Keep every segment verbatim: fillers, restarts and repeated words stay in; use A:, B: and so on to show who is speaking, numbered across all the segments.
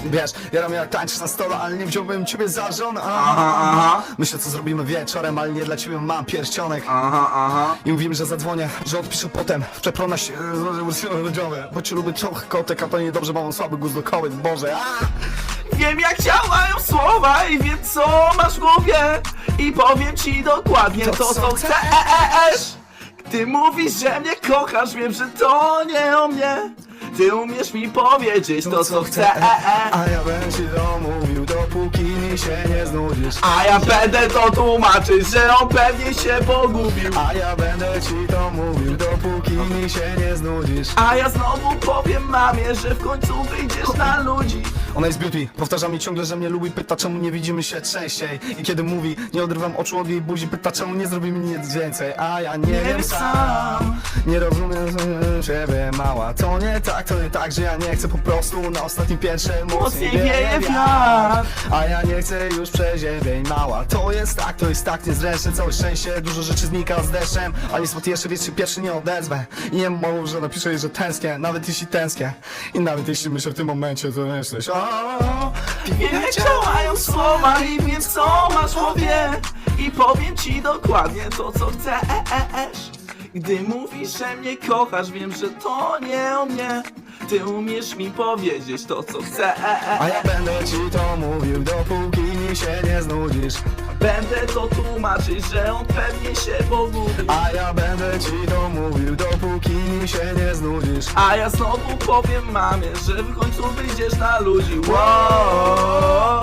A: Wiesz, jaram jak tańczysz na stole, ale nie wziąłbym ciebie za żonę.
B: Aha, aha,
A: Myślę, co zrobimy wieczorem, ale nie dla ciebie mam pierścionek.
B: aha, aha.
A: I mówimy, że zadzwonię, że odpiszę potem w przeprona się rodziowe. Bo ci lubię trochę kotek, a to niedobrze, bo mam słaby gust do kobiet, Boże. A!
B: Wiem jak działają słowa i wiem co masz w głowie. I powiem ci dokładnie to,
A: To,
B: co
A: co
B: chcesz. Ty mówisz, że mnie kochasz, wiem, że to nie o mnie. Ty umiesz mi powiedzieć to, co chcesz.
A: A ja będę ci to mówił, dopóki mi się nie znudzisz.
B: A ja będę to tłumaczyć, że on pewnie się pogubił.
A: A ja będę ci to mówił, dopóki mi się nie znudzisz.
B: A ja znowu powiem mamie, że w końcu wyjdziesz na ludzi.
A: Ona jest beauty, powtarza mi ciągle, że mnie lubi, pyta czemu nie widzimy się częściej. I kiedy mówi, nie odrywam oczu od jej buzi, pyta czemu nie zrobimy nic więcej. A ja nie,
B: Nie
A: wiem
B: wiem
A: sam,
B: sam.
A: nie rozumiem ciebie mała. To nie tak, to nie tak, że ja nie chcę po prostu na ostatnim piętrze
B: Mocniej wieje wiatr.
A: A ja nie chcę już przeziębień mała. To jest tak, to jest tak niezręczne, całe szczęście, dużo rzeczy znika z deszczem. A niestety jeszcze wiesz, się pierwszy nie odezwę. I nie mów, że napiszę jej, że tęsknię, nawet jeśli tęsknię. I nawet jeśli myślę w tym momencie, to myślisz o,
B: Wiem jak działają słowa i wiem co masz w głowie. I powiem ci dokładnie to, co chcesz. Gdy mówisz, że mnie kochasz, wiem, że to nie o mnie. Ty umiesz mi powiedzieć to, co chcesz.
A: A ja będę ci to mówił, dopóki mi się nie znudzisz.
B: Będę to tłumaczyć, że on pewnie się pogubił.
A: A ja będę ci to mówił, dopóki mi się nie znudzisz.
B: A ja znowu powiem mamie, że w końcu wyjdziesz na ludzi. Wow,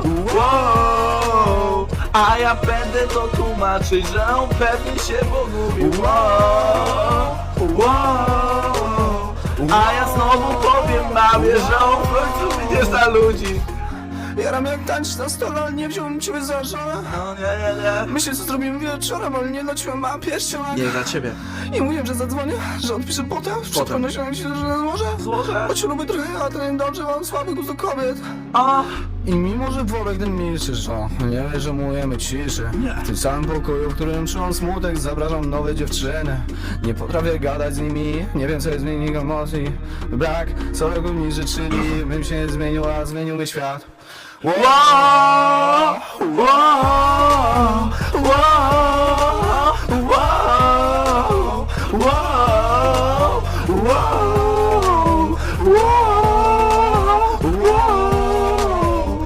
B: wow. A ja będę to tłumaczyć, że on pewnie się pogubił. Wow, wow. A ja znowu powiem mamie, że on w końcu wyjdziesz na ludzi.
A: Jaram jak tańczysz na stole, ale nie wziąłem ciebie za żonę.
B: No nie, nie, nie.
A: Myślę, co zrobimy wieczorem, ale nie dla ciebie mam pierścionek.
B: Nie dla ciebie.
A: I mówiłem, że zadzwonię, że odpiszę potem. W przepraszam się, że złożę.
B: Złożę.
A: Bo cię lubię trochę, a to nie dobrze, mam słaby gust do kobiet.
B: A,
A: I mimo, że worek ten milczysz, o, nie żemujemy ciszy. W tym samym pokoju, w którym czułam smutek, zapraszam nowe dziewczyny. Nie potrafię gadać z nimi, nie wiem co jest w nich emocji. Brak całego mi życzyli, bym się nie zmienił, a zmieniłby świat. Wow,
B: wow, wow.